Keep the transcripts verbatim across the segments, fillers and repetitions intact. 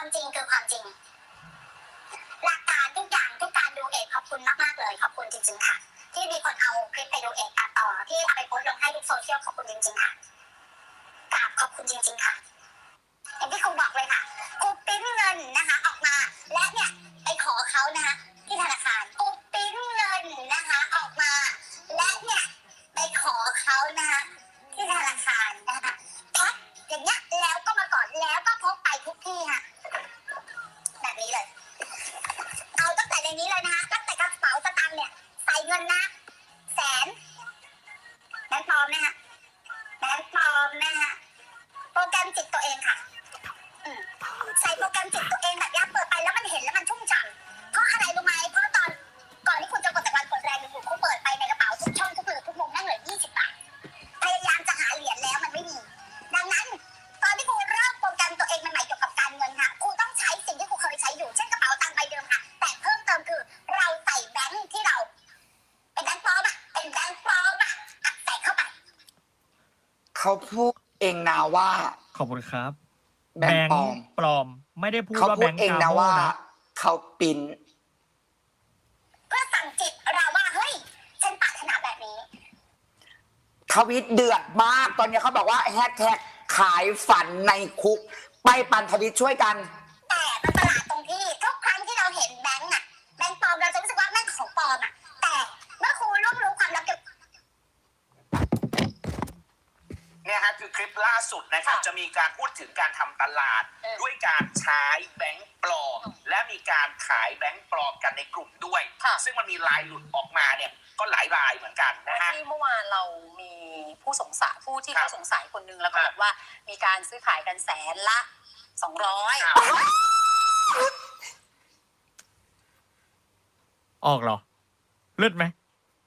ความจริงคือความจริงหลักการทุกอย่างทุกการดูเอกขอบคุณมากๆเลยขอบคุณจริงๆค่ะที่มีคนเอาคลิปไปดูเอกตัดต่อที่เอาไปโพสต์ลงให้ทุกโซเชียลขอบคุณจริงๆค่ะกราบขอบคุณจริงๆค่ะอย่างที่ครูบอกเลยค่ะครูปริ้นเงินนะคะออกมาและเนี่ยไปขอเขานะคะที่ธนาคารครูปริ้นเงินนะคะออกมาและเนี่ยไปขอเขานะคะที่ธนาคารนะคะแพ็คอย่างเงี้ยแล้วก็มาก่อนแล้วก็พกไปทุกที่ค่ะแบบนี้เลยเอาตั้งแต่ในนี้เลยนะคะตั้งแต่กระเป๋าสตางค์เนี่ยใส่เงินนะแสนแบงค์ปลอมนะคะแบงค์ปลอมนะคะโปรแกรมจิตตัวเองค่ะใส่โปรแกรมจิตตัวเองแบบนี้เปิดไปแล้วมันเห็นแล้วมันชุ่มฉ่ำเพราะอะไรรู้ไหมเพราะตอนก่อนที่คุณจะกดแต่วันกดแรงอยู่คุณเปิดไปในกระเป๋าทุกช่องทุกหลืบทุกมุมนั่งเหลือยี่สิบบาทพยายามจะหาเหรียญแล้วมันไม่มีดังนั้นตอนที่คุณเริ่มโปรแกรมตัวเองใหม่ๆเกี่ยวกับการเงินค่ะคุณต้องใช้สิ่งที่คุณเคยใช้อยู่เช่นกระเป๋าตังค์ใบเดิมค่ะแต่เพิ่มเติมคือเราใส่แบงค์ที่เราเป็นแบงค์ปลอมอะเป็นแบงค์ปลอมอะใส่เข้าไปเขาพูดเองนะว่าขอบคุณครับแบงค์ปลอมปลอมไม่ได้พูดเขาว่าพูแบดงค์เองกานะโม่ว่านะเขาปินเพื่อสั่งจิตเราว่าเฮ้ยฉันปรารถนาแบบนี้ทวิตเดือดมากตอนนี้เขาบอกว่าแฮชแท็กขายฝันในคุกไปปั่นทวิตช่วยกันแต่มันประหลาดตรงที่ทุกครั้งที่เราเห็นแบงค์อะแบงค์ปลอมเราจะรู้สึกว่าแม่งของปลอมอะแต่เมื่อครูรวบรู้ความลับเกี่ยวกับเนี่ยฮะคือคลิปล่าสุดนะครับจะมีการพูดถึงการทำตลาดด้วยการใช้แบงค์ปลอมและมีการขายแบงค์ปลอมกันในกลุ่มด้วยซึ่งมันมีลายหลุดออกมาเนี่ยก็หลายรายเหมือนกันนะฮะที่เมื่อวานเรามีผู้สงสัยผู้ที่เขาสงสัยคนนึงแล้วก็บอกว่ามีการซื้อขายกันแสนละสองร้อยออกเหรอเลือดไหม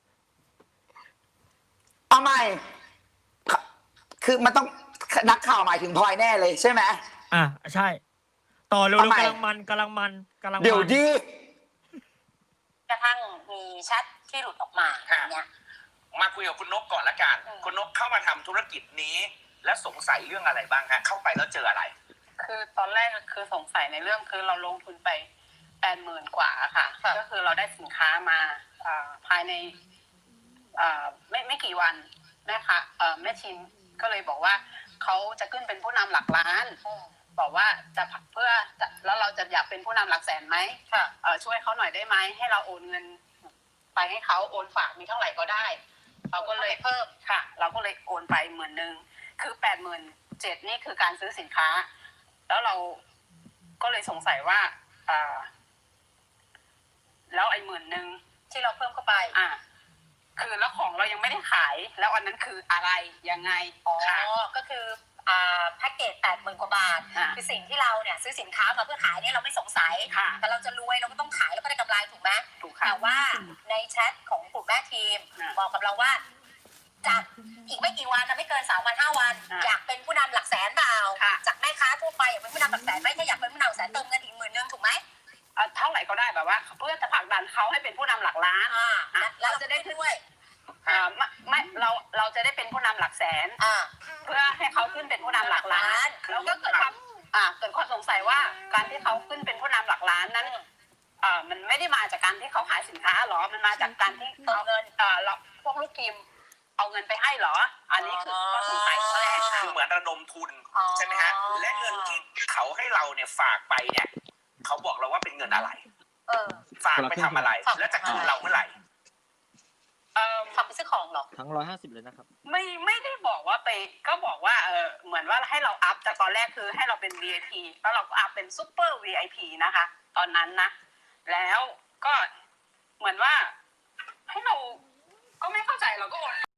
เอาใหม่คือมันต้องนักข่าวหมายถึงพลอยแน่เลยใช่ไหมอ่ะใช่ต่อเร็วๆกำลังมันกำลังมันกำลังเดี๋ยวดิกระทั่งมีแชทที่หลุดออกมาอย่างเงี้ยมาคุยกับคุณนกก่อนละกันคุณนกเข้ามาทำธุรกิจนี้และสงสัยเรื่องอะไรบ้างฮะเข้าไปแล้วเจออะไรคือตอนแรกคือสงสัยในเรื่องคือเราลงทุนไปแปดหมื่นกว่าค่ะก็คือเราได้สินค้ามาภายในไม่ไม่กี่วันแม่ค่ะแม่ชินก็เลยบอกว่าเขาจะขึ้นเป็นผู้นำหลักล้านบอกว่าจะเพื่อแล้วเราจะอยากเป็นผู้นำหลักแสนไหมช่วยเขาหน่อยได้ไหมให้เราโอนเงินไปให้เขาโอนฝากมีเท่าไหร่ก็ได้เราก็เลยเพิ่มค่ะเราก็เลยโอนไปหมื่นหนึ่งคือแปดหมื่นเจ็ดนี่คือการซื้อสินค้าแล้วเราก็เลยสงสัยว่าอ่าแล้วไอ้หมื่นหนึ่งที่เราเพิ่มเข้าไปอ่าคือแล้วของเรายังไม่ได้ขายแล้วอันนั้นคืออะไรยังไงอ๋อก็คืออ่าแพ็กเกจแปดหมื่นกว่าบาทคือสิ่งที่เราเนี่ยซื้อสินค้ามาเพื่อขายเนี่ยเราไม่สงสัยแต่เราจะรวยเราก็ต้องขายแล้วก็ได้กำไรถูกไหมถูกค่ะแต่ว่าในแชทของกลุ่มแม่ทีมบอกกับเราว่าจากอีกไม่กี่วันนะไม่เกินสามวันห้าวันอยากเป็นผู้นำหลักแสนเปล่าจากแม่ค้าทั่วไปอยากเป็นผู้นำหลักแสนไหมถ้าอยากเป็นผู้นำหลักแสนเติมเงินอีกหมื่นนึงถูกไหมเท่าไหร่ก็ได้แบบว่าเพื่อจะผลักดันเขาให้เป็นผู้นำหลักล้านเราจะได้ขึ้นด้วยไม่เราเราจะได้เป็นผู้นำหลักแสนเพื่อให้เขาขึ้นเป็นผู้นำหลักล้านแล้วก็เกิดความเกิดความสงสัยว่าการที่เขาขึ้นเป็นผู้นำหลักล้านนั้นมันไม่ได้มาจากการที่เขาขายสินค้าหรอมันมาจากการที่เอาเงินเราพวกลูกทีมเอาเงินไปให้หรออันนี้คือข้อสงสัยข้อแรกคือเหมือนระดมทุนใช่ไหมฮะและเงินที่เขาให้เราเนี่ยฝากไปเนี่ยเขาบอกเราว่าเป็นเงินอะไรฝากไปทำอะไรและจะคืนเราเมื่อไหร่ฝากไปซื้อของหรอทั้งร้อยห้าสิบเลยนะครับไม่ไม่ได้บอกว่าไปก็บอกว่าเออเหมือนว่าให้เราอัพจากตอนแรกคือให้เราเป็น วี ไอ พี แล้วเราก็อัพเป็นซูเปอร์ วี ไอ พี นะคะตอนนั้นนะแล้วก็เหมือนว่าให้เราก็ไม่เข้าใจเราก็โอน